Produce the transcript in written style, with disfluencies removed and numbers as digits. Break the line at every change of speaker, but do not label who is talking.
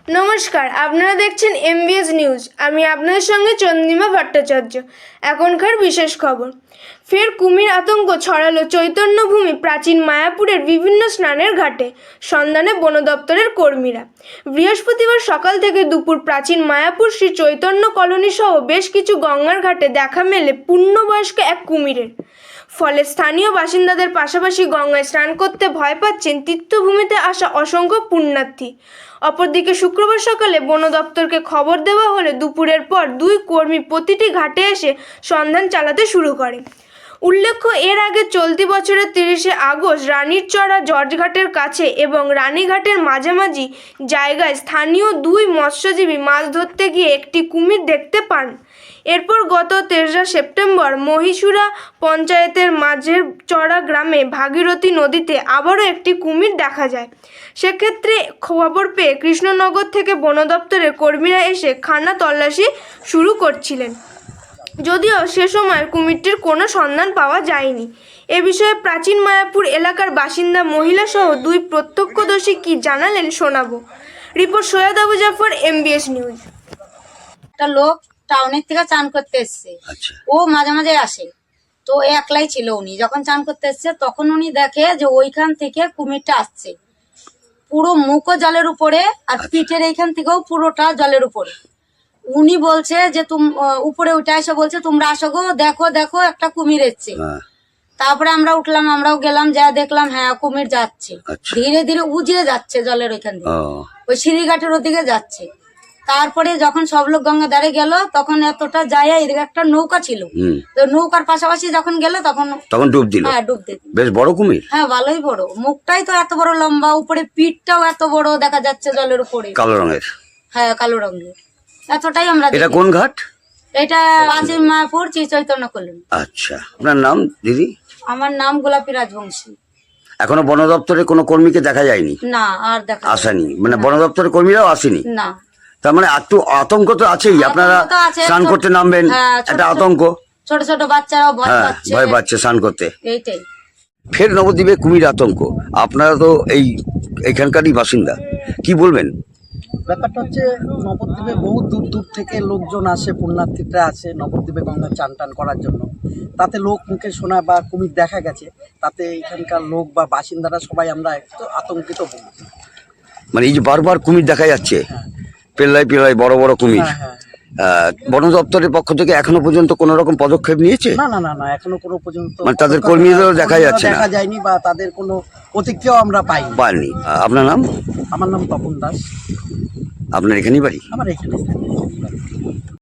নমস্কার, আপনারা দেখছেন এমবিএস নিউজ। আমি আপনাদের সঙ্গে চন্দ্রিমা ভট্টাচার্য। এখনকার বিশেষ খবর। ফের কুমির আতঙ্ক ছড়ালো চৈতন্যভূমি প্রাচীন মায়াপুরের বিভিন্ন স্নানের ঘাটে। সন্ধানে বন দপ্তরের কর্মীরা। বৃহস্পতিবার সকাল থেকে দুপুর প্রাচীন মায়াপুর শ্রী চৈতন্য কলোনি সহ বেশ কিছু গঙ্গার ঘাটে দেখা মেলে পূর্ণবয়স্ক এক কুমিরের। ফলে স্থানীয় বাসিন্দাদের পাশাপাশি গঙ্গায় স্নান করতে ভয় পাচ্ছেন তীর্থভূমিতে আসা অসংখ্য পুণ্যার্থী। অপরদিকে শুক্রবার সকালে বন দপ্তরকে খবর দেওয়া হলে দুপুরের পর দুই কর্মী প্রতিটি ঘাটে এসে সন্ধান চালাতে শুরু করে। উল্লেখ্য, এর আগে চলতি বছরের 30শে আগস্ট রানীরচড়া জর্জঘাটের কাছে এবং রানীঘাটের মাঝামাঝি জায়গায় স্থানীয় দুই মৎস্যজীবী মাছ ধরতে গিয়ে একটি কুমির দেখতে পান। এরপর গত 3রা সেপ্টেম্বর মহীশূরা পঞ্চায়েতের মাঝের চড়া গ্রামে ভাগীরথী নদীতে আবারও একটি কুমির দেখা যায়। সেক্ষেত্রে খবর পেয়ে কৃষ্ণনগর থেকে বন দপ্তরের কর্মীরা এসে খানা তল্লাশি শুরু করছিলেন, যদিও সে সময় কুমিরটির কোনো সন্ধান পাওয়া যায়নি। এ বিষয়ে প্রাচীন মায়াপুর এলাকার বাসিন্দা মহিলা সহ দুই প্রত্যক্ষদর্শী কি জানালেন শোনাবো। Report Syed Abu Jafar, MBS news.
একটা লোক টাউনের থেকে চান করতে এসছে, ও মাঝে মাঝে আসে, তো একলাই ছিল। উনি যখন চান করতে এসছে তখন উনি দেখে যে ওইখান থেকে কুমিরটা আসছে, পুরো মুখও জলের উপরে আর পিঠের এইখান থেকেও পুরোটা জলের উপরে। উনি বলছে যে উপরে উঠে এসে বলছে তোমরা আসো গো, দেখো দেখো একটা কুমির এসছে। তারপরে আমরা উঠলাম, আমরাও গেলাম, যা দেখলাম হ্যাঁ কুমির যাচ্ছে, ধীরে ধীরে উজিয়ে যাচ্ছে জলের ওইখান থেকে, ওই সিঁড়িঘাটের ওদিকে যাচ্ছে। তারপরে যখন সব লোক গঙ্গা ধারে গেল তখন এতটা যায়, এদিকে একটা নৌকা ছিল, তো নৌকার পাশাপাশি যখন গেল তখন ডুব দিল। হ্যাঁ, ডুব দিল। বেশ বড় কুমির। হ্যাঁ, ভালোই বড়, মুখটাই তো এত বড় লম্বা, উপরে পিঠটাও এত বড় দেখা যাচ্ছে জলের উপরে, কালো রঙের। হ্যাঁ, কালো রঙের। এতটাই আমরা। এটা কোন ঘাট? এটা প্রাচীন মায়াপুর শ্রী চৈতন্য কলোনি।
আচ্ছা, আপনার নাম দিদি?
আমার নাম গোলাপী রাজবংশী।
এখনো বন দপ্তরের কোনো কর্মীকে দেখা যায়নি?
না, আর দেখা
আসেনি, মানে বন দপ্তরের কর্মীরাও আসেনি?
না।
তার মানে একটু আতঙ্ক তো আছেই, আপনারা স্নান করতে নামবেন, একটা আতঙ্ক।
ছোট ছোট বাচ্চারাও ভয় পাচ্ছে
স্নান করতে।
এইটাই।
ফের নবদ্বীপে কুমির আতঙ্ক। আপনারা তো এইখানকারই বাসিন্দা, কি বলবেন?
ব্যাপারটা হচ্ছে নবদ্বীপে বহু দূর দূর থেকে লোকজন আসে, পুণ্যার্থীরা আসে নবদ্বীপে গঙ্গা চান টান করার জন্য। তাতে লোক মুখে শোনা বা কুমির দেখা গেছে, তাতে এখানকার লোক বা বাসিন্দারা সবাই আমরা একটু আতঙ্কিত হই।
মানে এই যে বারবার কুমির দেখা যাচ্ছে, পেল্লাই পেল্লাই বড় বড় কুমির, বন দপ্তরের পক্ষ থেকে এখনো পর্যন্ত কোন রকম পদক্ষেপ নিয়েছে?
না না না না, এখনো কোনো পর্যন্ত
মানে তাদের কর্মীদেরও দেখা যাচ্ছে না,
দেখা যায়নি, বা তাদের কোনো প্রতিক্রিয়াও আমরা পাইনি।
আপনার নাম?
আমার নাম তপন দাস।
আপনার এখানেই বাড়ি?
আমার এখানে।